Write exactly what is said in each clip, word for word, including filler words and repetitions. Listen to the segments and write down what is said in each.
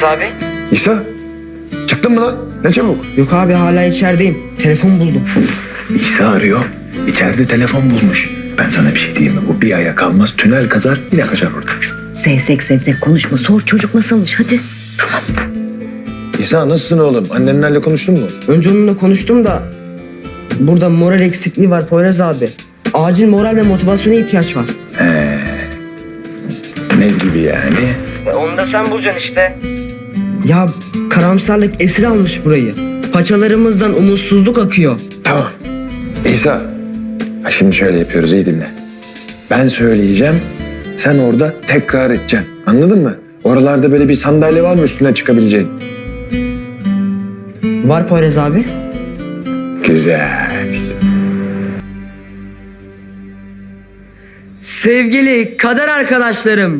abi? İsa, çıktın mı lan? Ne çabuk. Yok abi, hala içerideyim. Telefon buldum. İsa arıyor. İçeride telefon bulmuş. Ben sana bir şey diyeyim mi? Bu bir aya kalmaz. Tünel kazar, yine kaçar orada. Sevsek sevsek konuşma. Sor çocuk nasılmış hadi. İsa nasılsın oğlum? Annenlerle konuştun mu? Önce onunla konuştum da burada moral eksikliği var Poyraz abi. Acil moral ve motivasyona ihtiyaç var. Ne gibi yani? Onu da sen bulacaksın işte. Ya karamsarlık esir almış burayı. Paçalarımızdan umutsuzluk akıyor. Tamam. İsa, ha şimdi şöyle yapıyoruz, iyi dinle. Ben söyleyeceğim, sen orada tekrar edeceksin. Anladın mı? Oralarda böyle bir sandalye var mı üstüne çıkabileceğin? Var Poyraz abi. Güzel. Sevgili kader arkadaşlarım.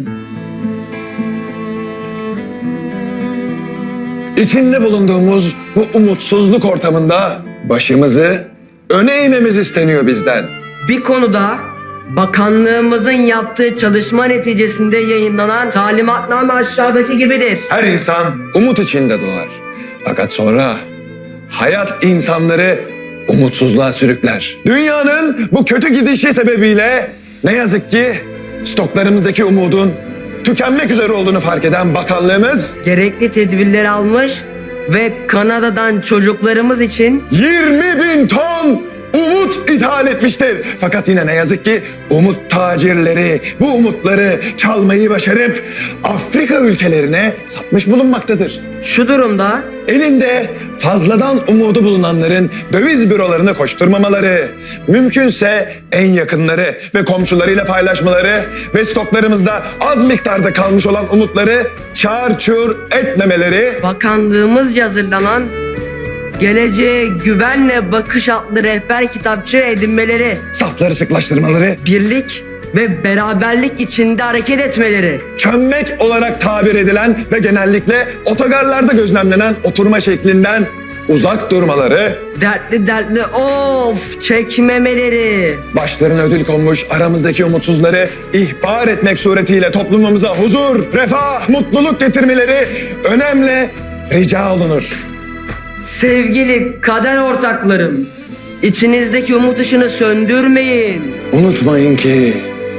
İçinde bulunduğumuz bu umutsuzluk ortamında başımızı öne eğmemiz isteniyor bizden. Bir konuda bakanlığımızın yaptığı çalışma neticesinde yayınlanan talimatname aşağıdaki gibidir. Her insan umut içinde doğar. Fakat sonra hayat insanları umutsuzluğa sürükler. Dünyanın bu kötü gidişi sebebiyle ne yazık ki stoklarımızdaki umudun tükenmek üzere olduğunu fark eden bakanlığımız Gerekli tedbirleri almış ve Kanada'dan çocuklarımız için yirmi bin ton umut ithal etmiştir. Fakat yine ne yazık ki umut tacirleri bu umutları çalmayı başarıp Afrika ülkelerine satmış bulunmaktadır. şu durumda Elinde fazladan umudu bulunanların döviz bürolarına koşturmamaları, mümkünse en yakınları ve komşularıyla paylaşmaları ve stoklarımızda az miktarda kalmış olan umutları çarçur etmemeleri, bakanlığımızca hazırlanan Geleceğe Güvenle Bakış adlı rehber kitapçı edinmeleri, safları sıklaştırmaları, birlik ve beraberlik içinde hareket etmeleri, çömmek olarak tabir edilen ve genellikle otogarlarda gözlemlenen oturma şeklinden uzak durmaları, dertli dertli of çekmemeleri, başlarına ödül konmuş aramızdaki umutsuzları ihbar etmek suretiyle toplumumuza huzur, refah, mutluluk getirmeleri önemli rica olunur. sevgili kader ortaklarım, içinizdeki umut ışını söndürmeyin. Unutmayın ki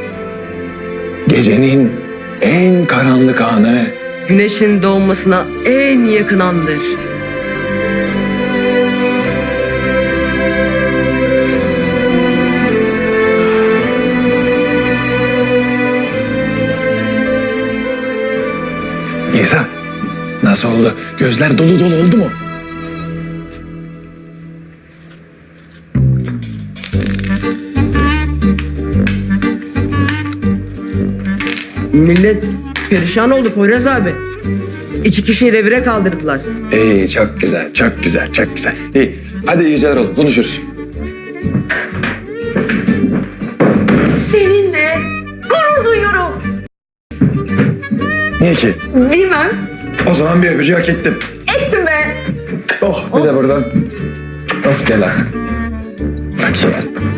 gecenin en karanlık anı Güneşin doğmasına en yakın andır. İsa, nasıl oldu? Gözler dolu dolu oldu mu? Millet perişan oldu Poyraz abi. İki kişiyi revire kaldırdılar. İyi, çok güzel, çok güzel, çok güzel. İyi, hadi iyi geceler oğlum, konuşuruz. Seninle gurur duyuyorum. Niye ki? Bilmem. O zaman bir öpücüğü hak ettim. Ettim be. Oh, bir de buradan. Oh, gel artık. Bak ya.